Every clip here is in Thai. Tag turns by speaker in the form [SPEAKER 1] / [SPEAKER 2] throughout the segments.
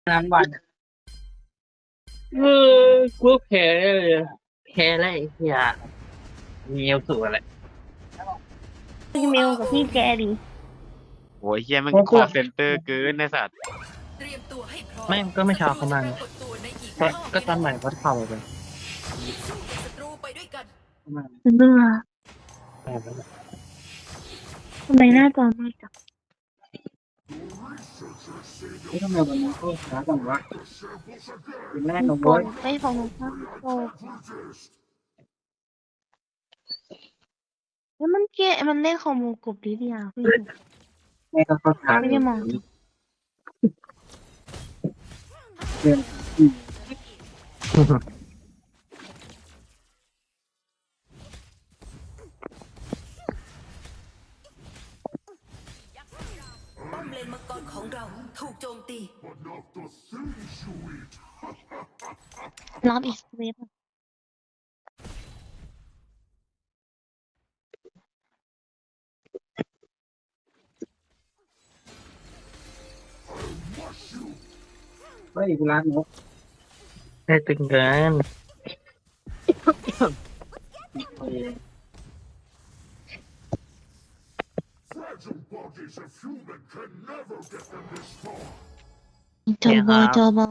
[SPEAKER 1] ทั้งวันเอกูแพ้เลยแพ้อะไรอย่ามีเอลสูอะไร
[SPEAKER 2] พี่เมลกับพี่แกดิ
[SPEAKER 3] โอ้ยเฮียมัน
[SPEAKER 1] เพราะ
[SPEAKER 3] คอเซ็นเตอร์เกินในสัตว์
[SPEAKER 4] เตรียมตัวให้พร้อม
[SPEAKER 1] ไม่ก็ไม่เช้าเขามาไง
[SPEAKER 4] ศัตรูจะปรากฏตัวในอีก
[SPEAKER 1] ก็ตอนใหม่เขาเข้าไป
[SPEAKER 4] สู้กับศัตรูไปด้วยกัน
[SPEAKER 1] มา
[SPEAKER 2] เบื่อ
[SPEAKER 1] แบบนั้น
[SPEAKER 2] ทำไมหน้าจอไม่จับ
[SPEAKER 1] ทำไมวันนี้ก็ช้าจังวะเป็นแรก
[SPEAKER 2] มี
[SPEAKER 1] ของ
[SPEAKER 2] ฝ
[SPEAKER 1] โว้ย
[SPEAKER 2] นไม่ของหนูข้างโตแล้วมันเล่นของมูกบดีดีอ่ะพี่
[SPEAKER 1] แม่ก็เข้าช้า
[SPEAKER 2] ไม่ได้มอง
[SPEAKER 1] เดือน
[SPEAKER 4] ป้อมเลนมังกรของเราถูกโจมตี
[SPEAKER 2] รับอีกเวฟอะ
[SPEAKER 1] เฮ้ยกูรักนกได้ตึงเกิน
[SPEAKER 2] จอบอจอบอ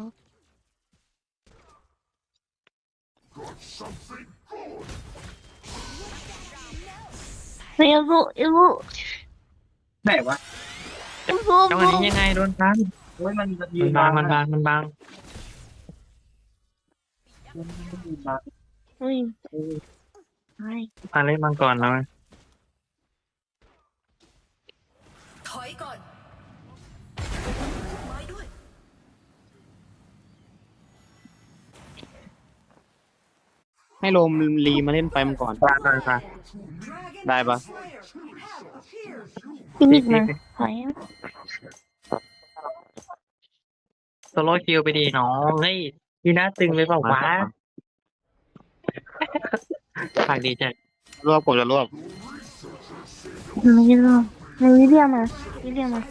[SPEAKER 2] เอลลูเอลลู
[SPEAKER 1] ไหนวะ
[SPEAKER 2] เอลลู
[SPEAKER 1] จังหวะนี้ยังไงโดนทันโอ้ยมันยืนบางมันบางมันบาง
[SPEAKER 2] เฮ้ยใช่
[SPEAKER 1] อะไรบางก่อนแล้ว
[SPEAKER 4] ถอยก่อนไม้ด้วย
[SPEAKER 3] ให้โรมรีมาเล่นไปมันก่อน
[SPEAKER 1] บางบาง
[SPEAKER 3] ได้ปะ
[SPEAKER 2] พี่นิกมาถอยอะ
[SPEAKER 1] โซโล่คิวไปดีน้องเฮ้ยยูน่าตึงเลยเปล่าวะฝากดีจัง
[SPEAKER 3] รวบผมจะรวบ
[SPEAKER 2] ไม่ได้หรอกไม่วิเดียมาวิเดียมา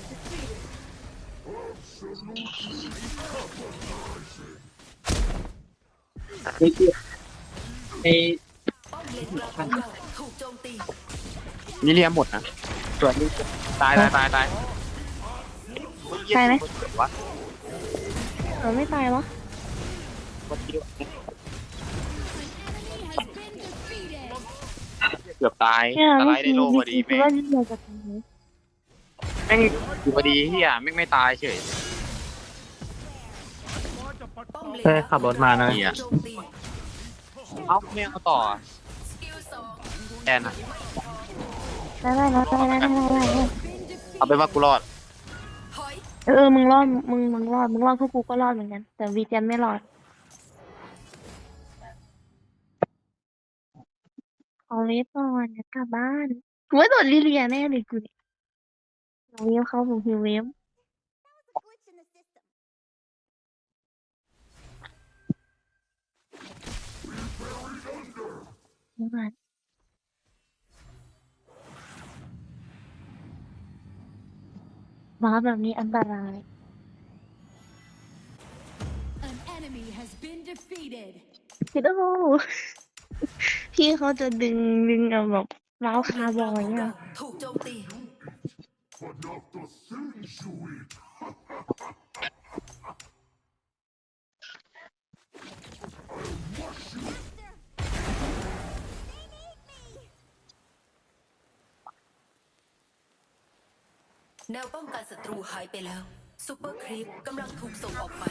[SPEAKER 1] ไอ้ไอ้
[SPEAKER 4] ป้อมเลนกลางของเราถูกโจมตี
[SPEAKER 3] นี่เรียมหมดนะ
[SPEAKER 1] ส่วนนี้
[SPEAKER 3] ตายตาย
[SPEAKER 2] ตายไหม
[SPEAKER 3] วะ
[SPEAKER 2] เราไม่ตายวะ
[SPEAKER 3] เกือบตาย
[SPEAKER 2] เนี่ย
[SPEAKER 3] สไล
[SPEAKER 2] เมื่อ
[SPEAKER 3] ด์ได้
[SPEAKER 2] กี้
[SPEAKER 3] โล
[SPEAKER 2] เมื่
[SPEAKER 3] พ
[SPEAKER 2] อ
[SPEAKER 3] อดี
[SPEAKER 2] กี้คิด
[SPEAKER 3] แม่ง
[SPEAKER 2] ว่าวิเดียจะตายไหม
[SPEAKER 3] แม่งอยู่พอดีเฮียแม่งไม่ตายเฉย
[SPEAKER 4] ป้อมเลน
[SPEAKER 1] เฮ้ยขับรถมานะ
[SPEAKER 3] เหี้ย
[SPEAKER 4] โจมตี
[SPEAKER 3] เอ้าไม่เอาต่อ
[SPEAKER 4] สกิลสอง
[SPEAKER 3] แอนอะ
[SPEAKER 2] ได้
[SPEAKER 3] เอาไปว่ากูรอด
[SPEAKER 4] ถอย
[SPEAKER 2] มึงรอดมึงรอดพวกกูก็รอดเหมือนกันแต่วีเจนไม่รอดขอเวฟก่อนจะกลับบ้านกูว่าโดนลิเลียแน่เลยกูเนี่ยเอาเวฟเข้าผมฮิวเวฟนี่มันว้าแบบนี้อันตราย
[SPEAKER 5] An enemy has been defeated.
[SPEAKER 2] คิดโอ้พี่เขาจะดึงเอาแบบว้าวคาร์บอยอ่ะ
[SPEAKER 4] ถูกโจมตี แนวป้องกันศัตรูหายไปแล้วซูเปอร์ครีปกำลังถูกส่งออกไป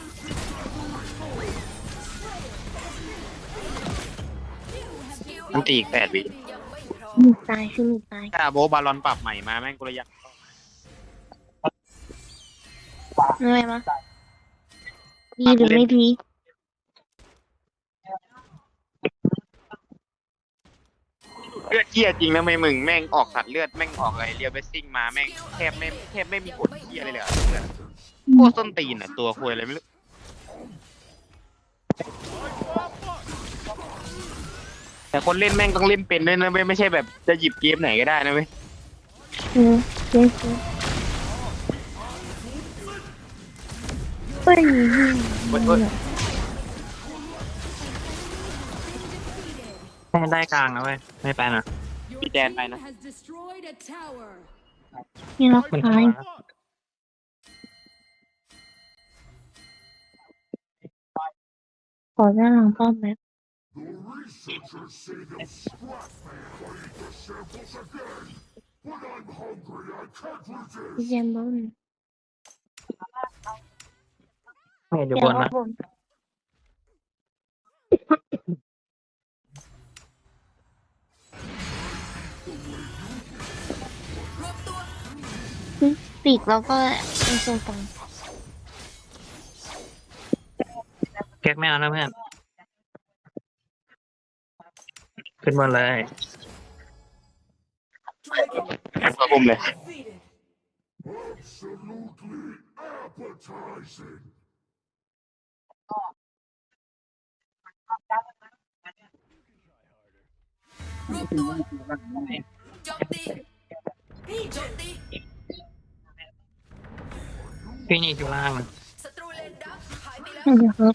[SPEAKER 3] มันตีอีก8 วิ
[SPEAKER 4] ยังไม่พร้อม
[SPEAKER 2] มีตายคือมีตาย
[SPEAKER 3] ถ้าโบบาลอนปรับใหม่มาแม่งกูเลยอยาก
[SPEAKER 2] เหนื่อยมะดีหรือไม่ดี
[SPEAKER 3] เลือดเหี้ยจริงนะไม่มึงแม่งออกสัตว์เลือดแม่งออกอะไรเรียวเบสซิ่งมาแม่งแทบไม่มีผลเหี้ยอะไรเลยอะเลือดโคตรส้นตีนอ่ะตัวคุยอะไรไม่รู้แต่คนเล่นแม่งต้องเล่นเป็นด้วยนะเว้ยไม่ใช่แบบจะหยิบเกมไหนก็ได้นะเว้ย
[SPEAKER 2] เจ๊เฮ้ยยเหี้ย
[SPEAKER 1] ให้ได้กลางนะเว้ยไม่ไปนะ
[SPEAKER 5] Your
[SPEAKER 3] Bị đèn
[SPEAKER 5] team
[SPEAKER 3] này nè.
[SPEAKER 5] has destroyed a tower.
[SPEAKER 2] มีล็อก
[SPEAKER 1] มัน
[SPEAKER 2] ซ้าย ขอหน้าหลังป้อมแป๊บพี่เจมส์บอล
[SPEAKER 1] ไม่เดี๋ยว
[SPEAKER 2] เดี๋
[SPEAKER 1] บ
[SPEAKER 2] ยวน เอา
[SPEAKER 1] นะ
[SPEAKER 2] บน
[SPEAKER 4] รวบตัว
[SPEAKER 2] ปีกแล้วก็ไอโซตัง
[SPEAKER 1] เก็ตไม่เอานะเพื่อนขึ้นบนเลย
[SPEAKER 3] มาบุมเลย
[SPEAKER 4] รวบตัวโจมตีโจมตี
[SPEAKER 1] พี่นี่อยู่ล่างนะ
[SPEAKER 4] ศัตรูเลนดักหายไปแล้ว
[SPEAKER 2] เดี๋ยวครับ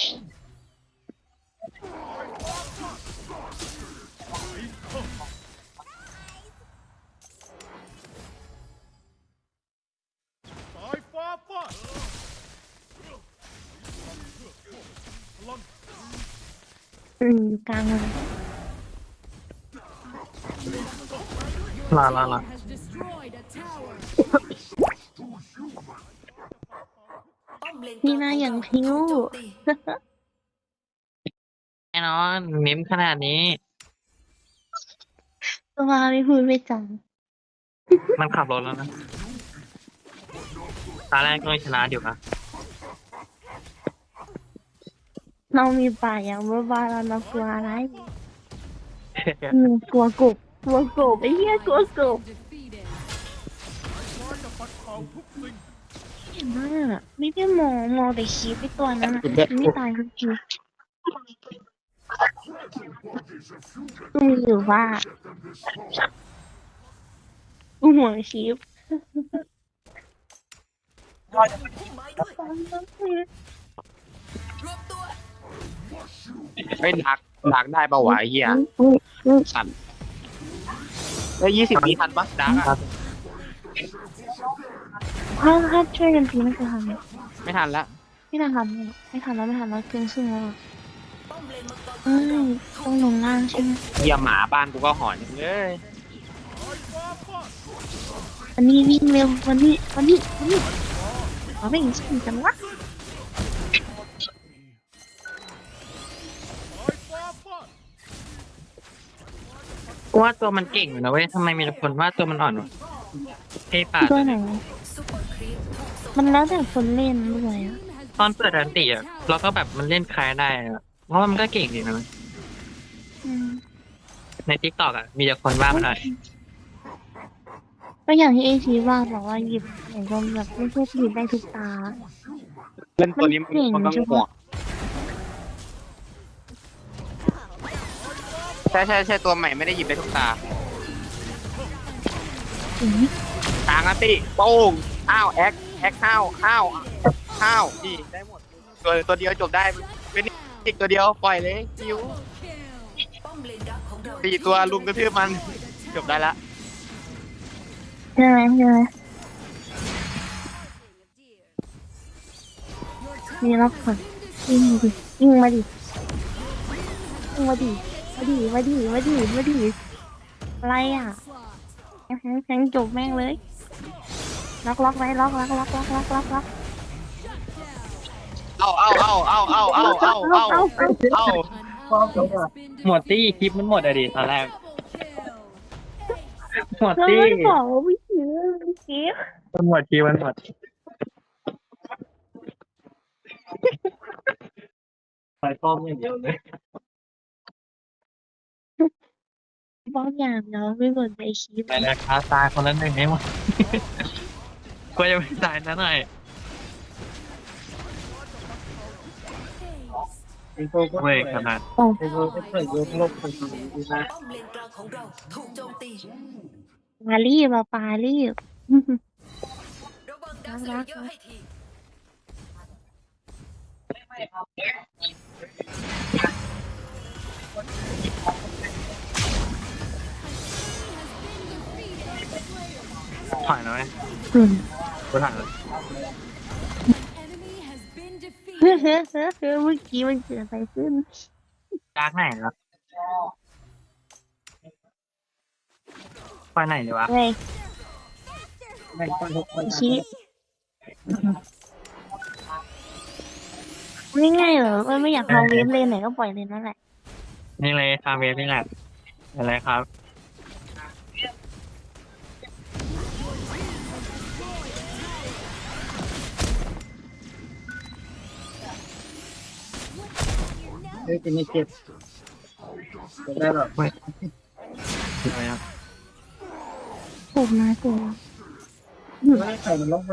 [SPEAKER 6] สายฟ้าฟาด
[SPEAKER 2] อยู่กลางเลย
[SPEAKER 1] ลา
[SPEAKER 5] Has destroyed a tower.
[SPEAKER 4] ป้อมเลนก
[SPEAKER 2] นี่
[SPEAKER 4] ลาง
[SPEAKER 2] นะ
[SPEAKER 4] ของ
[SPEAKER 2] อย่าง
[SPEAKER 4] เรา
[SPEAKER 2] พิ้ว
[SPEAKER 4] ถูกโจมตี
[SPEAKER 1] แน่นอนเมมขนาดนี้
[SPEAKER 2] ตัวไม่พูดไม่จัง
[SPEAKER 1] มันขับรถแล้วนะตาแรกก็ไม่ชนะอยู่นะ
[SPEAKER 2] เรามีป่าอย่างบ้าๆเรากลัวอะไรกลัวกบไอ้เหี้ยกลัวกบ
[SPEAKER 5] Defeated.
[SPEAKER 6] ร้อยจะปัดเป่าทุกสิ่ง
[SPEAKER 2] เห็นมากไม่ได้มองแต่คีบไปตัวนั้นอะไม่ตายทุกทีกูมีอยู่ว่ากูห่วงคีบ
[SPEAKER 4] พุ่มไม้ด้วยรวบตัว
[SPEAKER 3] เฮ้ยดักได้ปะวะไอ้เหี้ยสั่นได้20 วิทันปะดักอะ
[SPEAKER 2] ถ้าช่วยกันทีไม่เคยทำเลย
[SPEAKER 3] ไม่ทันละ
[SPEAKER 2] ไม่ทันแล้วเกินครึ่งแล้วอะ
[SPEAKER 4] ป้อมเลนมังกรข
[SPEAKER 2] เอ้
[SPEAKER 4] องเรา
[SPEAKER 2] ยต้องลงล่างใช่ไหม
[SPEAKER 3] เหี้ยหมาบ้านกูก็หอนเลย
[SPEAKER 2] วันนี้วิ่งเร็ววันนี้เอาไม่เห็นสิ่งจังวะ
[SPEAKER 6] สายฟ้าฟาด
[SPEAKER 1] กูว่าตัวมันเก่งอยู่นะเว้ยทำไมมีแต่คนว่าตัวมันอ่อนวะเฮ้ยป่า
[SPEAKER 2] ตัวไหน
[SPEAKER 4] ซุปเปอร์ครีปถูกส่ง
[SPEAKER 2] มันแล้วแต่คนเล่นด้วยอะ
[SPEAKER 1] ตอนเปิดอันติอ่ะเราก็แบบมันเล่นคล้ายได้อะเพราะว่ามันก็เก่งดีนะเว้ย
[SPEAKER 2] อืม
[SPEAKER 1] ในทิกตอกอ่ะมีแต่คนว่ามันหน่อย
[SPEAKER 2] ก็อย่างที่เอชีว่าบอกว่าหยิบไหนก็แบบไม่ใช่หยิบได้ทุกตา
[SPEAKER 3] เล่นตัวนี้มันก็หัวใช่ตัวใหม่ไม่ได้หยิบได้ทุกตา
[SPEAKER 2] อืม
[SPEAKER 3] กลางอันติโป้งอ้าวแอคข้าวดีได้หมดตัวเดียวจบได้เป็นอีกตัวเดียวปล่อยเลยคิว
[SPEAKER 4] ป้อมเลนดักของเรา
[SPEAKER 3] 4 ตัวลุมกระทืบมันจบได้ละ
[SPEAKER 2] ใช่ไหมมีรับก่อนยิงมาดิอะไรอ่ะแข็งจบแม่งเลยล็อกไว้ล็อก
[SPEAKER 1] ห
[SPEAKER 3] เอา
[SPEAKER 1] มดตี้คลิปมันหมดอะดิตอนแรก หมด
[SPEAKER 2] เรา
[SPEAKER 1] ตี้
[SPEAKER 2] ไม่ได้บอกว่าไม่ซื้อคลิป
[SPEAKER 1] มันหมดคลิปมันหมดไปป้อมอย่างเดียวเลย
[SPEAKER 2] บอกอย่างเราไม่หมดในคลิป
[SPEAKER 1] ไปนะครับตายคนละหนึ่งให้หมด กลัวจะไม่ตายนะหน่อยเว้ยขนาด
[SPEAKER 2] โอ้
[SPEAKER 4] ป้อมเลนกลางของเราถูกโจมตี
[SPEAKER 2] ปารีบอะปารีบ
[SPEAKER 4] ระวังดักสเลเยอร์ให้ที
[SPEAKER 1] ผ่านแล้วไหม
[SPEAKER 2] อืม
[SPEAKER 1] กูผ่านแล้ว
[SPEAKER 5] Enemy has been
[SPEAKER 2] เฮ้ย
[SPEAKER 5] defeated.
[SPEAKER 2] เมื่อกี้มันเกิดอะไรขึ้น
[SPEAKER 1] ดาร์กไหนแล้วไปไหนดีวะ
[SPEAKER 2] ไงชี้ไม่ง่ายเหรอไม่อยากทำเวฟเลนไหนก็ปล่อยเลนนั่นแหละ
[SPEAKER 1] นี่เลยคาเวฟนี่แหละอะไรครับ
[SPEAKER 7] เฮ้ยเป็นไงเจ็บได้หรอ
[SPEAKER 1] อะไรครับ
[SPEAKER 2] ถูกนะถูก
[SPEAKER 7] ไม่ใส่มันล็อกมัน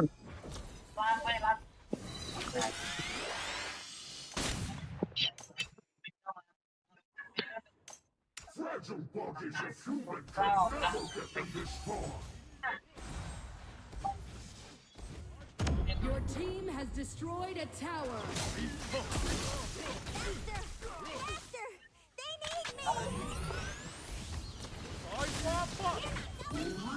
[SPEAKER 5] Your team has destroyed a tower.
[SPEAKER 6] สายฟ้าฟาด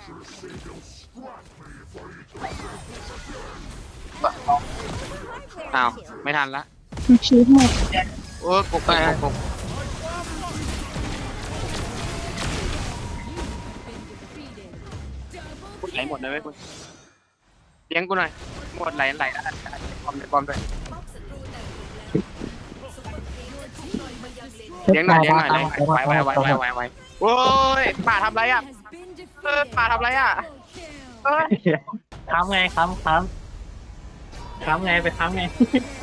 [SPEAKER 3] อ้าวไม่ทันละ
[SPEAKER 2] ชี้หมด
[SPEAKER 3] โอ้ยกบไปกบ
[SPEAKER 5] Been defeated. Double
[SPEAKER 3] ไหลหมดเลยไหมคุณเลี้ยงกูหน่อยหมดไหลแล้วปอมเลยปอมด้วย
[SPEAKER 5] your team
[SPEAKER 3] เลี้ยงหน่อยเลี้ยงหน่อยเลยไว้โอ้ยป่าทำไรอ่ะ
[SPEAKER 5] has been
[SPEAKER 3] ป่า
[SPEAKER 5] defeated.
[SPEAKER 3] ทำไรอ่ะ
[SPEAKER 5] Double kill.
[SPEAKER 1] ค้ำไงค้ำไงไปค้ำไง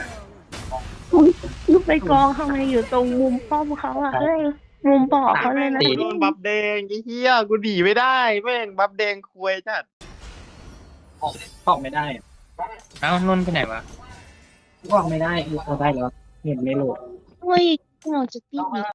[SPEAKER 2] ลูกไปกองทำไมอยู่ตรงมุมป้อมเขาอ่ะเฮ้ยมุมบ่อเขาเลยนะ
[SPEAKER 3] กูโดนบัฟแดงไอ้เหี้ยกูดีไม่ได้แม่งบัฟแดงคุยจัด
[SPEAKER 7] ออกไม่ได้
[SPEAKER 1] เอ้านุ่นไปไหนวะ
[SPEAKER 7] ออกไม่ได้ออกได้แล้วเห็นไม่โหลด
[SPEAKER 2] เฮ้ยเราจะตีอีก